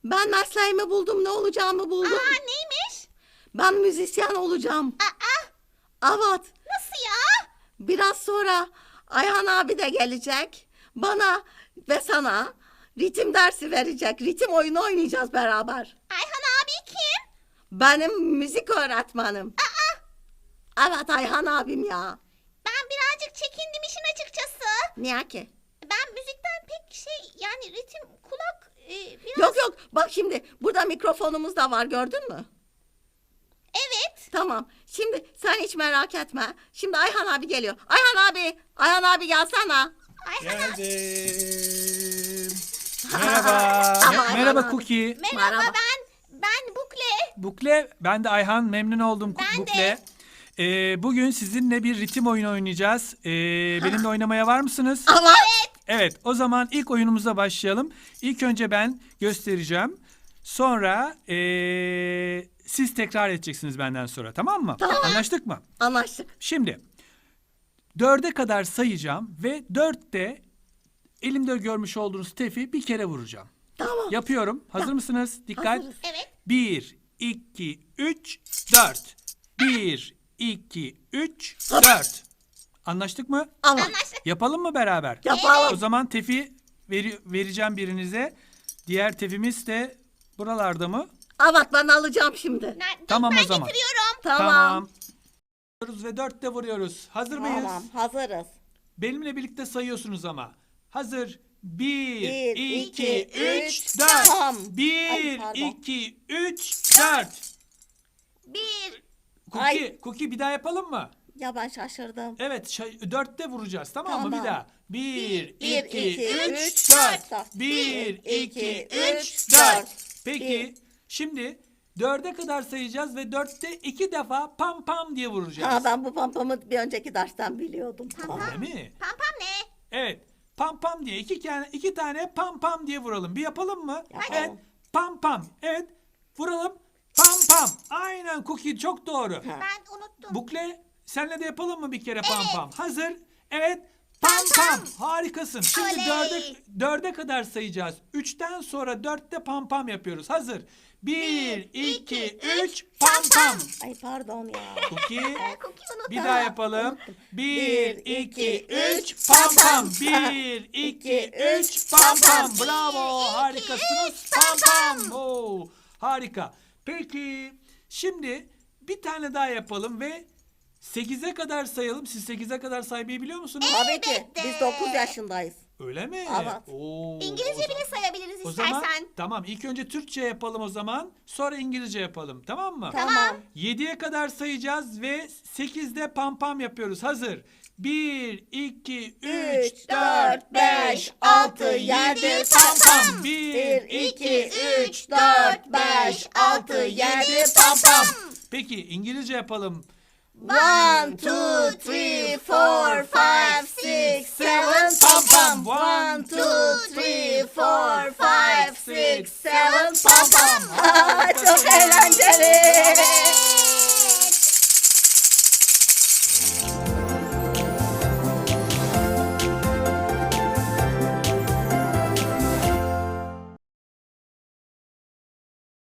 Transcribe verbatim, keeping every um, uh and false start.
Ben mesleğimi buldum, ne olacağımı buldum. Aa, neymiş? Ben müzisyen olacağım. Aa, Evet. nasıl ya? Biraz sonra Ayhan abi de gelecek. Bana ve sana ritim dersi verecek. Ritim oyunu oynayacağız beraber. Ayhan abi kim? Benim müzik öğretmenim. Aa, Evet, Ayhan abim ya. ben birazcık çekindim işin açıkçası. Niye ki? Ben müzikten pek şey yani ritim kulak e, biraz... Yok yok, bak şimdi burada mikrofonumuz da var, gördün mü? Evet. Tamam. Şimdi sen hiç merak etme. Şimdi Ayhan abi geliyor. Ayhan abi, Ayhan abi gelsene. Ayhan abi. Geldim. Merhaba. Ama Me- Merhaba Ayhan- Cookie. Merhaba, Merhaba. ben ben Bukle. Bukle, ben de Ayhan. Memnun oldum Ben de. Bukle. Ee, bugün sizinle bir ritim oyunu oynayacağız. Ee, benimle oynamaya var mısınız? Ama Evet, o zaman ilk oyunumuza başlayalım. İlk önce ben göstereceğim. Sonra ee, siz tekrar edeceksiniz benden sonra, tamam mı? Tamam. Anlaştık mı? anlaştık. Şimdi dörde kadar sayacağım ve dörtte elimde görmüş olduğunuz tefi bir kere vuracağım. Tamam. Yapıyorum. Hazır mısınız? Dikkat. Hazırız. Evet. Bir, iki, üç, dört. Bir, iki, üç, dört. Anlaştık mı? Ama Anlaştık. Yapalım mı beraber? yapalım. O zaman tefi veri- vereceğim birinize. Diğer tefimiz de buralarda mı? Evet, ben alacağım şimdi. Ner- Tamam ben o zaman. getiriyorum. Tamam. Vuruyoruz ve dörtte vuruyoruz. Hazır mıyız? Tamam, hazırız. Benimle birlikte sayıyorsunuz ama. Hazır. Bir, Bir, iki, iki, üç, üç, dört. tam. Bir, Ay, pardon. iki, üç, dört. Bir. Cookie, Ay. Cookie bir daha yapalım mı? Ya ben şaşırdım. Evet, şa- dörtte vuracağız, tamam, mı? Tamam. Bir daha. Bir, Bir, iki, iki, üç, üç, dört. dört. Bir, iki, iki, üç, üç, dört. dört. Peki, Bir. şimdi dörde kadar sayacağız ve dörtte iki defa pam pam diye vuracağız. Ha, ben bu pampamı bir önceki dersten biliyordum. Tamam. Öyle mi? Pam pam ne? Evet. Pam pam diye iki tane iki tane pam pam diye vuralım. Bir yapalım mı? Yapalım. Evet. Pam pam. Evet. Vuralım. Pam pam. Aynen Cookie, çok doğru. Ben unuttum. Bukle, senle de yapalım mı bir kere pam pam? Hazır. Evet. Pam pam. Harikasın. Şimdi Oley. dörde, dörde kadar sayacağız. Üçten sonra dörtte pam pam yapıyoruz. Hazır. Bir, iki, üç, pam pam. Ay pardon ya. Cookie. Cookie unuttum. Bir daha yapalım. Bir, Bir, iki, iki, üç, üç, pam pam pam. pam. Bir, iki, İki, üç, üç, pam pam pam. pam. Bravo, Bir, iki, harikasınız. üç, Pam pam pam. Oo, harika. Peki, şimdi bir tane daha yapalım ve sekize kadar sayalım. Siz sekize kadar saymayı biliyor musunuz? Tabii ki. Biz dokuz yaşındayız. Öyle mi? Evet. Oo, İngilizce o zaman- bile sayabiliriz O istersen. zaman tamam, ilk önce Türkçe yapalım o zaman. Sonra İngilizce yapalım, tamam mı? Tamam. yediye kadar sayacağız ve sekizde pam pam yapıyoruz. Hazır. bir, iki, üç, Üç, dört, beş, altı, yedi, pam pam. bir, iki, üç, dört, beş, altı, yedi, pam pam. Peki İngilizce yapalım. One, two, three, four, five, six, seven, pam pam. One, two, three, four, five, six, seven, pam pam. Aa, çok eğlenceli.